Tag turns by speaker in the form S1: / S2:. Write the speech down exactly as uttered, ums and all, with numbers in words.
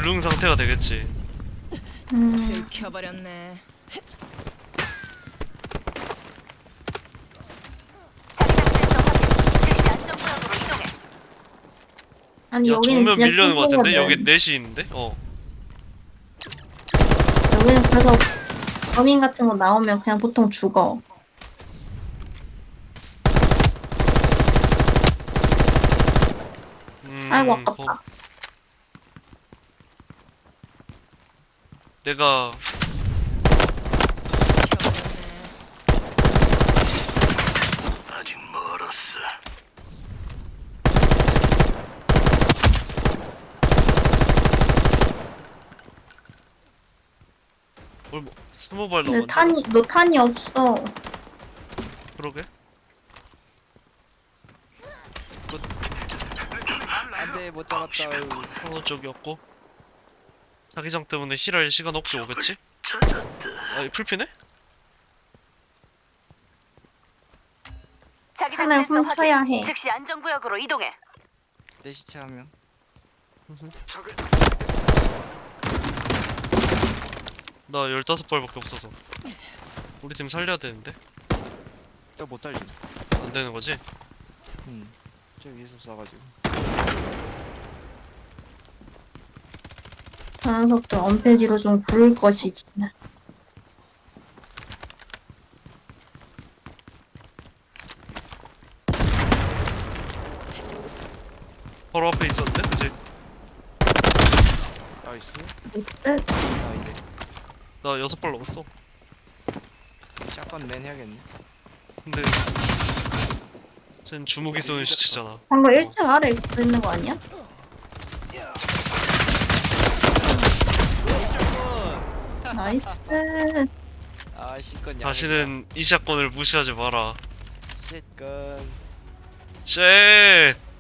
S1: 불능 상태가 되겠지.
S2: 음.
S3: 들켜버렸네.
S2: 아니
S1: 야,
S2: 여기는
S1: 정면
S2: 진짜
S1: 밀려는 것 같은데?
S2: 뚱뚱거든.
S1: 여기 넷이 있는데? 어.
S2: 여기는 그래서 범인 같은 거 나오면 그냥 보통 죽어.
S1: 음,
S2: 아이고
S1: 뭐,
S2: 아깝다.
S1: 내가
S4: 아직 멀었어.
S1: 뭘 뭐, 스무 발
S2: 근데
S1: 남았네.
S2: 탄이 너 탄이 없어.
S1: 그러게.
S5: 안돼 못 잡았다.
S1: 어느 쪽이었고. 자기장 때문에 힐할 시간 없게 오겠지?
S4: 찾았다.
S1: 아, 풀피네?
S6: 자기장
S2: 탄을
S6: 질서
S2: 훔쳐야
S6: 확인.
S2: 해.
S6: 즉시 안전구역으로 이동해.
S5: 내 시체 한 명.
S4: 적을
S1: 나 열다섯 발밖에 없어서. 우리 팀 살려야 되는데.
S5: 저 못 살림.
S1: 안 되는 거지?
S5: 응. 저 위에서 쏴가지고.
S2: 저 녀석들 언패지로 좀 구를 것이지.
S1: 바로 앞에 있었는데? 그지?
S5: 나이스.
S2: 이때
S5: 나 이제
S1: 나 여섯 발 넘었어.
S5: 샷건 맨 해야겠네.
S1: 근데 쟨 주무기 쏘는 시체잖아.
S2: 방금 일 층 아래 있는 거 아니야? 나이스.
S5: 아 시건 양.
S1: 다시는 이 사건을 무시하지 마라.
S5: 샷건.
S1: 쉣!